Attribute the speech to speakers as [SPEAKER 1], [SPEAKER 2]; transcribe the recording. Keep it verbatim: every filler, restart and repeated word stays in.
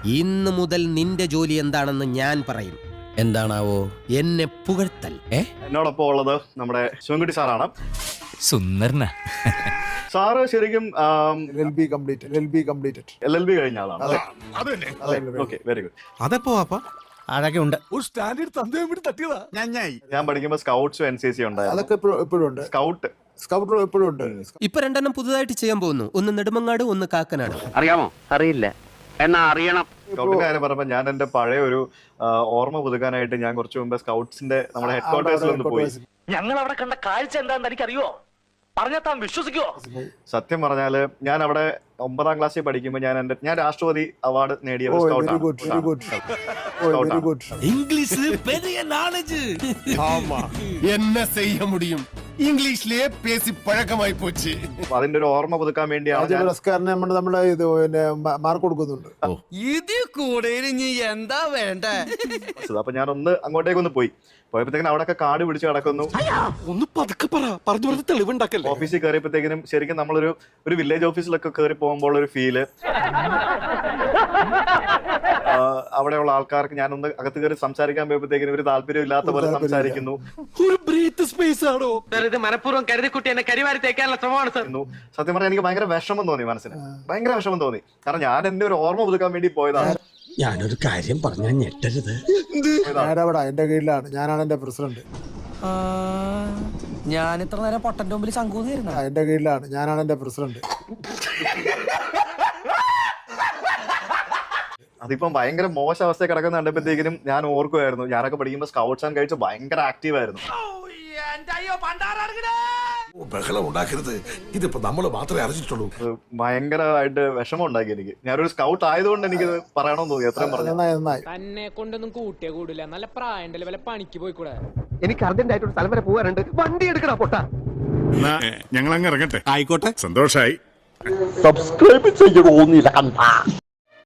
[SPEAKER 1] ഇന്ന് മുതൽ നിന്റെ ജോലി എന്താണെന്ന് ഞാൻ പറയും. എന്താണാവോ? എന്നെ പുകഴ്ത്തൽ.
[SPEAKER 2] എന്നോടൊപ്പം ഉള്ളത് നമ്മുടെ ശിവൻകുട്ടി സാറാണ്.
[SPEAKER 3] സുന്ദരന
[SPEAKER 2] സാറ് ശരിക്കും
[SPEAKER 4] L L B completed L L B completed
[SPEAKER 2] L L B കഴിഞ്ഞ ആളാണ്. Okay, very good.
[SPEAKER 5] അതെപ്പോ വാപ്പാ?
[SPEAKER 1] അതൊക്കെ ഉണ്ട്.
[SPEAKER 5] ഒരു സ്റ്റാൻഡേർഡ് തന്തയും വിട്ട് തട്ടിയതാ.
[SPEAKER 2] ഞാൻ പഠിക്കുമ്പോൾ സ്കൗട്ട്സും എൻ സി സി ഉണ്ടായിരുന്നു.
[SPEAKER 4] അതൊക്കെ ഇപ്പോഴും ഉണ്ട്.
[SPEAKER 2] സ്കൗട്ട്
[SPEAKER 4] സ്കൗട്ട് എപ്പോഴും ഉണ്ട്.
[SPEAKER 1] ഇപ്പൊ രണ്ടെണ്ണം പുതുതായിട്ട് ചെയ്യാൻ പോകുന്നു. ഒന്ന് നെടുമങ്ങാട്, ഒന്ന് കാക്കനാട്.
[SPEAKER 6] അറിയാമോ? അറിയില്ല, എന്നാ അറിയണം.
[SPEAKER 2] സ്കൗട്ടിന്റെ കാര്യം പറയുമ്പോൾ ഞാൻ എന്റെ പഴയ ഒരു ഓർമ്മ പുതുക്കാനായിട്ട് ഞാൻ കുറച്ച് മുമ്പ് സ്കൗട്ട്സിന്റെ നമ്മുടെ ഹെഡ് ക്വാർട്ടേഴ്സിൽ ഒന്ന് പോയി.
[SPEAKER 6] ഞങ്ങൾ അവിടെ കണ്ട കാഴ്ച എന്താണെന്ന് എനിക്കറിയോ? പറഞ്ഞാൽ താൻ വിശ്വസിക്കോ?
[SPEAKER 2] സത്യം പറഞ്ഞാല് ഞാൻ അവിടെ ഒമ്പതാം ക്ലാസ്സിൽ പഠിക്കുമ്പോൾ ഞാൻ എന്റെ ഞാൻ രാഷ്ട്രപതി അവാർഡ് നേടിയ ഒരു
[SPEAKER 4] very good very good very good.
[SPEAKER 5] இங்கிலீஷ்ல பெரிய நாலேஜ். ஆமா, என்ன செய்ய முடியும்? ഇംഗ്ലീഷിലെ പേസി പഴക്കമായി പോച്ച്.
[SPEAKER 2] അതിന്റെ ഒരു ഓർമ്മ പുതുക്കാൻ വേണ്ടിയാണ് ഞാൻ
[SPEAKER 4] പുരസ്കാരന് നമ്മൾ നമ്മളെ ഇത് പിന്നെ മാർക്ക് കൊടുക്കുന്നുണ്ട്.
[SPEAKER 5] ഇത് കൂടെ ഇനി എന്താ വേണ്ട?
[SPEAKER 2] അപ്പൊ ഞാൻ ഒന്ന് അങ്ങോട്ടേക്ക് ഒന്ന് പോയി പോയപ്പോഴത്തേക്കും അവിടെ ഒക്കെ കാട് പിടിച്ച് കിടക്കുന്നു.
[SPEAKER 5] ഒന്ന് പതുക്കെ പറ, പറഞ്ഞു പറഞ്ഞ് തെളിവുണ്ടാക്കല്ലേ.
[SPEAKER 2] ഓഫീസിൽ കയറിയപ്പോഴത്തേക്കിനും ശരിക്കും നമ്മളൊരു ഒരു വില്ലേജ് ഓഫീസിലൊക്കെ കയറി പോകുമ്പോൾ ഒരു ഫീല്, അവിടെയുള്ള ആൾക്കാർക്ക് ഞാനൊന്ന് അകത്ത് കയറി സംസാരിക്കാൻ പോയപ്പോഴത്തേക്കിനും ഒരു താല്പര്യം ഇല്ലാത്ത പോലെ സംസാരിക്കുന്നു.
[SPEAKER 5] ഒരു ബ്രീത്ത് സ്പേസ് ആണോ?
[SPEAKER 6] ഇത് മനഃപൂർവ്വം കരുതിക്കുട്ടി എന്നെ കരിവാരി തേക്കാനുള്ള ശ്രമമാണ് സർ.
[SPEAKER 2] സത്യം പറഞ്ഞാൽ എനിക്ക് ഭയങ്കര വിഷമം തോന്നി, മനസ്സിന് ഭയങ്കര വിഷമം തോന്നി. കാരണം ഞാൻ എന്റെ ഒരു ഓർമ്മ പുതുക്കാൻ വേണ്ടി പോയതാണ്.
[SPEAKER 7] ഞാനൊരു കാര്യം പറഞ്ഞാൽ ഞെട്ടരുത്.
[SPEAKER 4] ഞാനവിടെ എന്റെ കീഴിലാണ്, ഞാനാണ് എന്റെ പ്രസിഡന്റ്.
[SPEAKER 7] ഞാൻ ഇത്ര നേരം പൊട്ടന്റെ മുമ്പിൽ ശങ്കൂന്നിരുന്നു.
[SPEAKER 4] എന്റെ കീഴിലാണ്, ഞാനാണ് എന്റെ പ്രസിഡന്റ്.
[SPEAKER 2] അതിപ്പം ഭയങ്കര മോശം അവസ്ഥ കിടക്കുന്ന കണ്ടപ്പോഴത്തേക്കിനും ഞാൻ ഓർക്കുമായിരുന്നു, ഞാനൊക്കെ പഠിക്കുമ്പോൾ സ്കൗട്ട്സ് ആൻഡ് ഗൈഡ്സ് ഭയങ്കര ആക്റ്റീവ് ആയിരുന്നു.
[SPEAKER 5] ബഹളം ഉണ്ടാക്കരുത്, ഇതിപ്പോ നമ്മള് മാത്രമേ അറിഞ്ഞിട്ടുള്ളൂ.
[SPEAKER 2] ഭയങ്കരമായിട്ട് വിഷമം ഉണ്ടാക്കി എനിക്ക്. ഞാനൊരു സ്കൗട്ട് ആയതുകൊണ്ട് എനിക്ക് പറയണമെന്ന് തോന്നി. എത്രയും പറഞ്ഞു
[SPEAKER 8] തന്നെ കൊണ്ടൊന്നും കൂട്ടിയ കൂടില്ല. നല്ല പ്രായണ്ടല്ലേ, വല്ല പണിക്ക് പോയിക്കൂടെ?
[SPEAKER 6] എനിക്ക് അർജന്റ് ആയിട്ട് ഒരു സ്ഥലം വരെ പോകാനുണ്ട്. വണ്ടി എടുക്കണ പൊട്ടാ.
[SPEAKER 9] ഞങ്ങൾ അങ്ങ് ഇറങ്ങട്ടെ. ആയിക്കോട്ടെ, സന്തോഷായി.
[SPEAKER 6] സബ്സ്ക്രൈബ് ചെയ്യണോന്നില്ല കണ്ടാ.